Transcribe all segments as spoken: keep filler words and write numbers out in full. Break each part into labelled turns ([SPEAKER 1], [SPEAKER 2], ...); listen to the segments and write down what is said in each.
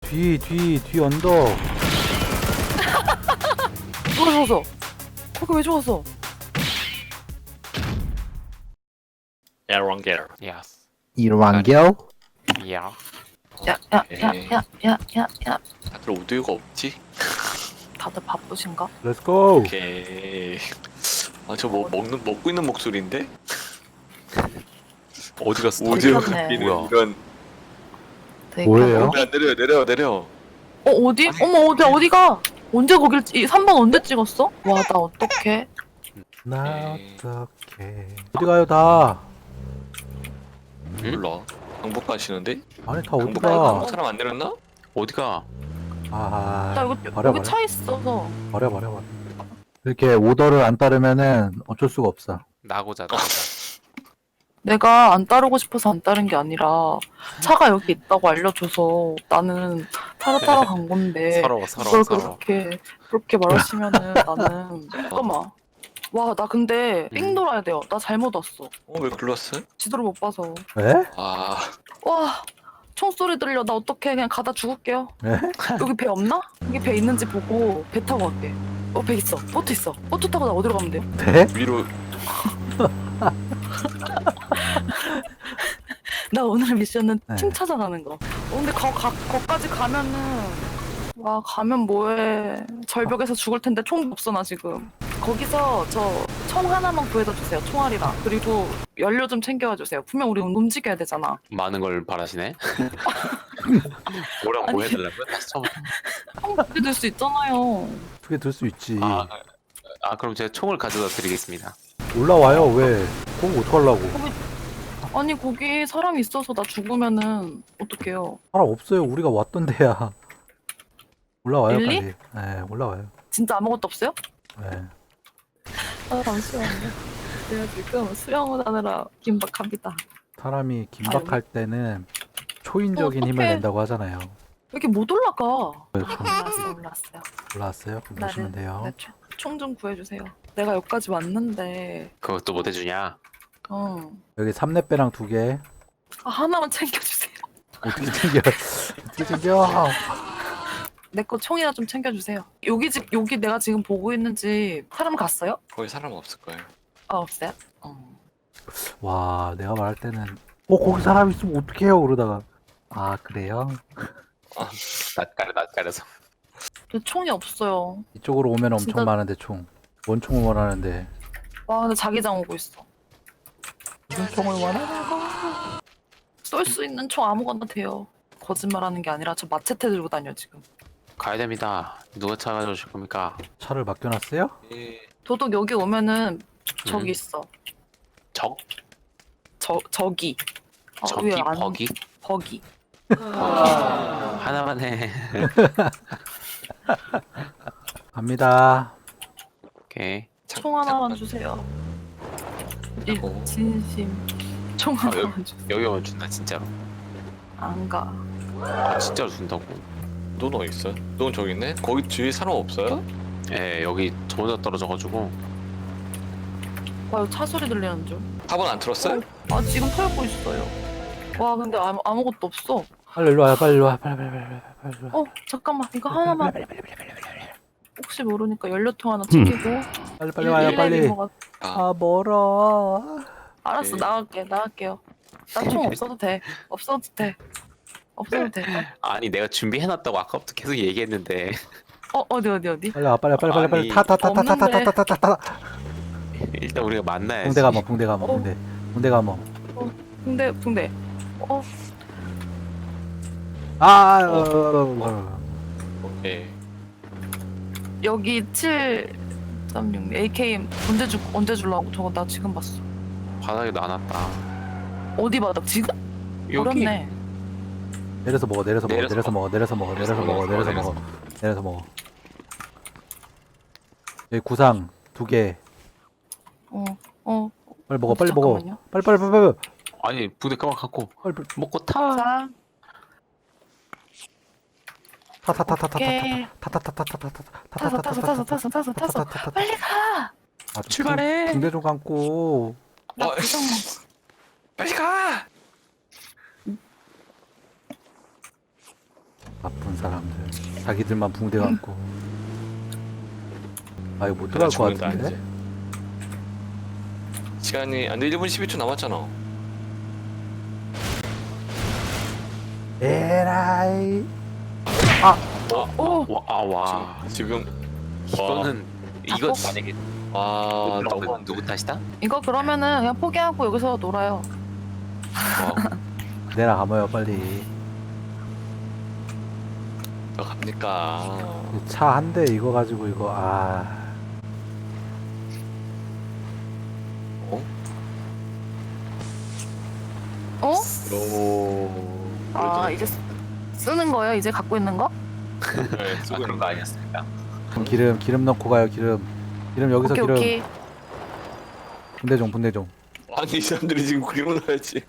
[SPEAKER 1] 뒤, 뒤, 뒤 언덕.
[SPEAKER 2] 누가 죽었어? 거기 왜 죽었어?
[SPEAKER 3] 에런겔.
[SPEAKER 4] Yes.
[SPEAKER 1] 일완결?
[SPEAKER 4] Yeah.
[SPEAKER 2] 야야야야야야야
[SPEAKER 3] 다들 오디오가 없지?
[SPEAKER 2] 다들 바쁘신가?
[SPEAKER 1] Let's go.
[SPEAKER 3] 오케이. 아 저 뭐 먹는 먹고 있는 목소리인데? 어디 갔어? 오디오
[SPEAKER 2] 되게
[SPEAKER 3] 깎이는
[SPEAKER 4] 뭐야?
[SPEAKER 3] 이런.
[SPEAKER 2] 되게
[SPEAKER 1] 뭐예요?
[SPEAKER 2] 가까워.
[SPEAKER 3] 야, 내려 내려 내려.
[SPEAKER 2] 어 어디? 어머 어디 어디가? 언제 거길 이 삼 번 언제 찍었어? 와 나 어떡해?
[SPEAKER 1] 나
[SPEAKER 3] 네.
[SPEAKER 1] 어떡해. 어디 가요, 다?
[SPEAKER 3] 몰라. 방법 가시는데?
[SPEAKER 1] 아니, 다 어디
[SPEAKER 3] 방법
[SPEAKER 1] 가?
[SPEAKER 3] 가 사람 안 내렸나?
[SPEAKER 4] 어디가?
[SPEAKER 1] 아,
[SPEAKER 2] 나 이거
[SPEAKER 1] 버려,
[SPEAKER 2] 여기
[SPEAKER 1] 버려.
[SPEAKER 2] 차 있어서
[SPEAKER 1] 버려, 버려, 버려. 이렇게 오더를 안 따르면은 어쩔 수가 없어.
[SPEAKER 4] 나고자 나고자.
[SPEAKER 2] 내가 안 따르고 싶어서 안 따른 게 아니라 차가 여기 있다고 알려줘서 나는 따라 따라간 건데
[SPEAKER 4] 서러워 서러워
[SPEAKER 2] 그걸
[SPEAKER 4] 서러워.
[SPEAKER 2] 그렇게 그렇게 말하시면은 나는 잠깐만. 와 나 근데 삥
[SPEAKER 4] 음.
[SPEAKER 2] 돌아야 돼요. 나 잘못 왔어.
[SPEAKER 3] 어 왜 글렀어?
[SPEAKER 2] 지도를 못 봐서.
[SPEAKER 1] 에?
[SPEAKER 3] 아
[SPEAKER 2] 와 총소리 들려. 나 어떡해. 그냥 가다 죽을게요.
[SPEAKER 1] 에?
[SPEAKER 2] 여기 배 없나? 여기 배 있는지 보고 배 타고 갈게. 어 배 있어. 보트 있어. 보트 타고 나 어디로 가면 돼요?
[SPEAKER 1] 네?
[SPEAKER 3] 위로.
[SPEAKER 2] 나 오늘 미션은
[SPEAKER 1] 네.
[SPEAKER 2] 팀 찾아가는 거. 어, 근데 거, 가, 거기까지 가면은 와 가면 뭐해. 절벽에서 죽을 텐데 총도 없어 나 지금. 거기서 저 총 하나만 구해다 주세요. 총알이랑. 그리고 연료 좀 챙겨와 주세요. 분명 우리 움직여야 되잖아.
[SPEAKER 4] 많은 걸 바라시네. 뭐랑 뭐
[SPEAKER 2] 아니.
[SPEAKER 4] 해달라고요? 다시 처음부터.
[SPEAKER 2] 총 그렇게 될 수 있잖아요.
[SPEAKER 1] 어떻게 들 수 있지.
[SPEAKER 4] 아, 아 그럼 제가 총을 가져다 드리겠습니다.
[SPEAKER 1] 올라와요, 왜? 그거 어떡하려고.
[SPEAKER 2] 아니 거기 사람이 있어서 나 죽으면은 어떡해요.
[SPEAKER 1] 사람 없어요. 우리가 왔던 데야. 올라와요,
[SPEAKER 2] 일리?
[SPEAKER 1] 빨리. 네, 올라와요.
[SPEAKER 2] 진짜 아무것도 없어요?
[SPEAKER 1] 네.
[SPEAKER 2] 아 잠시만요. 제가 지금 수영을 하느라 긴박합니다.
[SPEAKER 1] 사람이 긴박할 때는 초인적인
[SPEAKER 2] 어,
[SPEAKER 1] 힘을
[SPEAKER 2] 어떡해.
[SPEAKER 1] 낸다고 하잖아요.
[SPEAKER 2] 왜 이렇게 못 올라가?
[SPEAKER 1] 그래서 좀
[SPEAKER 2] 올랐어 올랐어요.
[SPEAKER 1] 올라왔어요? 그럼 보시면 돼요.
[SPEAKER 2] 총 좀 구해주세요. 내가 여기까지 왔는데
[SPEAKER 4] 그것도 못 해주냐?
[SPEAKER 2] 어.
[SPEAKER 1] 여기 삼렙배랑 두 개.
[SPEAKER 2] 아, 하나만 챙겨주세요.
[SPEAKER 1] 어떻게 챙겨? 어떻게 챙겨?
[SPEAKER 2] 내 거 총이나 좀 챙겨주세요. 여기 집 여기 내가 지금 보고 있는 집 사람 갔어요?
[SPEAKER 3] 거기 사람 없을 거예요.
[SPEAKER 2] 아 없어요? 어.
[SPEAKER 1] 와, 내가 말할 때는 어, 거기 사람 있으면 어떡해요? 그러다가 아, 그래요?
[SPEAKER 4] 낯가려 낯가려서.
[SPEAKER 2] 근데 총이 없어요.
[SPEAKER 1] 이쪽으로 오면 엄청
[SPEAKER 2] 진짜-
[SPEAKER 1] 많은데 총. 원총을 원하는데
[SPEAKER 2] 와 근데 자기장 오고 있어.
[SPEAKER 1] 무슨 총을 원하냐고?
[SPEAKER 2] 쏠 수 있는 총 아무거나 돼요. 거짓말하는 게 아니라 저 마체테 들고 다녀 지금.
[SPEAKER 4] 가야 됩니다. 누가 차 가져오실 겁니까?
[SPEAKER 1] 차를 맡겨놨어요?
[SPEAKER 3] 예.
[SPEAKER 2] 도둑 여기 오면은 저기
[SPEAKER 4] 음.
[SPEAKER 2] 있어.
[SPEAKER 4] 적?
[SPEAKER 2] 저 저기. 아,
[SPEAKER 4] 적이?
[SPEAKER 2] 왜 안-
[SPEAKER 4] 버기?
[SPEAKER 2] 버기.
[SPEAKER 4] 하나만 해.
[SPEAKER 1] 갑니다.
[SPEAKER 4] 오케이.
[SPEAKER 3] 참-
[SPEAKER 2] 총 하나만
[SPEAKER 3] 잠깐만.
[SPEAKER 2] 주세요. 일
[SPEAKER 3] 어.
[SPEAKER 2] 진심. 총
[SPEAKER 4] 아, 여기-
[SPEAKER 2] 하나만 주세요.
[SPEAKER 4] 여기 오면 준다 진짜로.
[SPEAKER 2] 안 가.
[SPEAKER 4] 아, 진짜로 준다고.
[SPEAKER 3] 넌 어디 있어? 넌 저기 있네? 거기 뒤에 사람 없어요?
[SPEAKER 4] 예, 여기 저 혼자 떨어져가지고.
[SPEAKER 2] 와, 이거 차 소리 들리는 줄.
[SPEAKER 3] 탑은 안 틀었어요?
[SPEAKER 2] 아, 지금 털고 있어요. 와, 근데 아무, 아무것도 없어.
[SPEAKER 1] 빨리 일로 와요. 빨리 일로 와. 빨리 빨리 빨리 빨리 빨리 일로 와.
[SPEAKER 2] 어, 잠깐만. 이거 하나만. 혹시 모르니까 연료통 하나 챙기고.
[SPEAKER 1] 빨리 빨리 와요. 빨리.
[SPEAKER 2] 먹었...
[SPEAKER 3] 아,
[SPEAKER 1] 아, 멀어.
[SPEAKER 2] 알았어,
[SPEAKER 3] 네.
[SPEAKER 2] 나갈게. 나갈게요. 나 총 없어도 돼. 없어도 돼. 없어도 돼.
[SPEAKER 4] 아니 내가 준비해놨다고 아까부터 계속 얘기했는데.
[SPEAKER 2] 어, 어디, 어디, 어디?
[SPEAKER 1] 빨리 와. 빨리 빨리 빨리 빨리
[SPEAKER 4] 아니,
[SPEAKER 1] 타 타 타 타 타 타 타 타 타 타.
[SPEAKER 4] 일단 우리가 만나야지.
[SPEAKER 1] 붕대 감어. 붕대 감어.
[SPEAKER 2] 어.
[SPEAKER 1] 붕대. 붕대 감어.
[SPEAKER 2] 붕대, 붕대. 어,
[SPEAKER 1] 아. 어, 어, 어.
[SPEAKER 3] 오케이.
[SPEAKER 2] 여기 칠 삼육 에이케이엠 언제 줄 언제 줄라고? 저거 나 지금 봤어.
[SPEAKER 4] 바닥에 놔놨다.
[SPEAKER 2] 어디 바닥? 지금?
[SPEAKER 4] 여기.
[SPEAKER 2] 어렵네.
[SPEAKER 1] 내려서 먹어. 내려서 먹어.
[SPEAKER 4] 내려서
[SPEAKER 1] 내려서 먹어. 내려서 먹어. 내려서 먹어. 내려서 먹어. 내려서 먹어. 여기 구상 두 개.
[SPEAKER 2] 어, 어.
[SPEAKER 1] 빨리 먹어. 빨리 먹어.
[SPEAKER 2] 잠깐만요.
[SPEAKER 1] 빨리 빨리 빨리 빨리.
[SPEAKER 4] 아니 부대 가만 갖고
[SPEAKER 1] 빨리 빨리.
[SPEAKER 4] 먹고 타.
[SPEAKER 2] 자, 오케이. 타서 타서 타서 타서 타서 타서 빨리 가.
[SPEAKER 4] 출발해.
[SPEAKER 1] 붕대 좀 감고.
[SPEAKER 2] 나
[SPEAKER 3] 어,
[SPEAKER 2] 부정 먹.
[SPEAKER 3] 빨리 가!
[SPEAKER 1] 나쁜 사람들. 자기들만 붕대 갖고. 아 이거 못
[SPEAKER 3] 내가
[SPEAKER 1] 들어갈 것
[SPEAKER 3] 죽는다
[SPEAKER 1] 같은데?
[SPEAKER 3] 이제. 시간이 안돼 일 분 십이 초 남았잖아.
[SPEAKER 1] 에라이.
[SPEAKER 2] 오!
[SPEAKER 4] 와, 아, 와.
[SPEAKER 3] 지금
[SPEAKER 4] 이거는 이거
[SPEAKER 2] 아,
[SPEAKER 4] 만약에
[SPEAKER 3] 와
[SPEAKER 4] 누구,
[SPEAKER 3] 너무 안
[SPEAKER 4] 누구 탓이다?
[SPEAKER 2] 이거 그러면은 그냥 포기하고 여기서 놀아요.
[SPEAKER 3] 와,
[SPEAKER 1] 내려가봐요 빨리.
[SPEAKER 3] 너 갑니까?
[SPEAKER 1] 차 한 대 이거 가지고 이거 아.
[SPEAKER 3] 어?
[SPEAKER 2] 어?
[SPEAKER 3] 오.
[SPEAKER 2] 아 이제 쓰- 쓰는 거예요? 이제 갖고 있는 거?
[SPEAKER 3] 네,
[SPEAKER 4] 아,
[SPEAKER 3] 쓰고
[SPEAKER 4] 그런
[SPEAKER 3] 있는
[SPEAKER 4] 거 아니었습니까?
[SPEAKER 1] 그럼 기름 기름 넣고 가요 기름. 기름 여기서
[SPEAKER 2] 오케이
[SPEAKER 1] 기름.
[SPEAKER 2] 오케이.
[SPEAKER 1] 분대 좀 분대 좀.
[SPEAKER 3] 아니 이 사람들이 지금 그림을 넣어야지.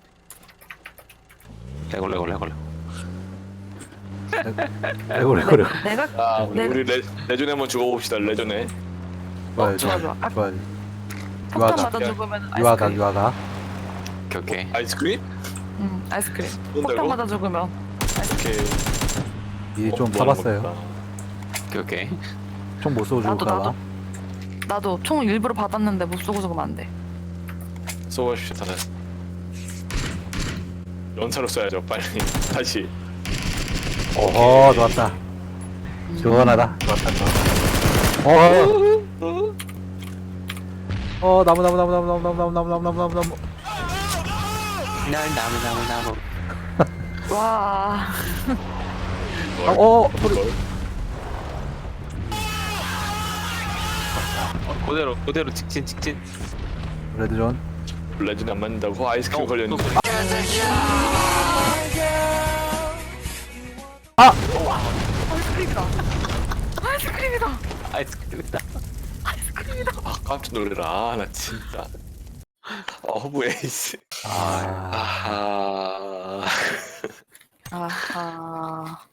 [SPEAKER 4] 레골 레골 레골.
[SPEAKER 1] 레고 레고 레고.
[SPEAKER 2] 내가
[SPEAKER 3] 아 우리,
[SPEAKER 2] 네.
[SPEAKER 3] 우리 레, 레전에 한번 죽어봅시다 레전에.
[SPEAKER 1] 좋아요
[SPEAKER 2] 좋아,
[SPEAKER 1] 좋아요.
[SPEAKER 2] 좋아. 아,
[SPEAKER 1] 좋아요.
[SPEAKER 2] 폭탄
[SPEAKER 1] 유아다
[SPEAKER 2] 맞아 죽으면
[SPEAKER 1] 유아다
[SPEAKER 2] 아이스크림.
[SPEAKER 1] 유아다.
[SPEAKER 4] 오케이 오케이.
[SPEAKER 3] 아이스크림?
[SPEAKER 2] 응 아이스크림. 폭탄
[SPEAKER 3] 쏜다고?
[SPEAKER 2] 맞아 죽으면.
[SPEAKER 3] 오케이.
[SPEAKER 1] 미리 좀
[SPEAKER 3] 어, 뭐 하는
[SPEAKER 1] 써봤어요.
[SPEAKER 3] 겁니까?
[SPEAKER 4] 오케이 오케이.
[SPEAKER 1] 총 못 쏘고
[SPEAKER 2] 나도,
[SPEAKER 1] 죽을까봐.
[SPEAKER 2] 나도. 나도 총 일부러 받았는데 못 쏘고 죽으면 안 돼.
[SPEAKER 3] 쏘아주십시오 다들. 연사로 쏴야죠 빨리. 다시.
[SPEAKER 1] 어허 좋았다. 시원하다. 좋았다 좋았다. 어허. 어 나무 나무 나무 나무 나무 나무 나무 나무 나무 나무 나무 나무.
[SPEAKER 4] 날 나무 나무 나무.
[SPEAKER 2] 와.
[SPEAKER 1] 어, 어 소리.
[SPEAKER 4] 어, 그대로 그대로 직진 직진.
[SPEAKER 1] 레드존.
[SPEAKER 3] 레전에 안 맞는다고 아이스크림
[SPEAKER 4] 어,
[SPEAKER 3] 걸렸는데.
[SPEAKER 4] 또-
[SPEAKER 2] 아이스크림이다. 아이스크림이다.
[SPEAKER 4] 아이스크림이다.
[SPEAKER 3] 아 깜짝 놀래라 나 진짜. 어부 에이스.
[SPEAKER 1] 아
[SPEAKER 3] 아하.
[SPEAKER 2] 아하.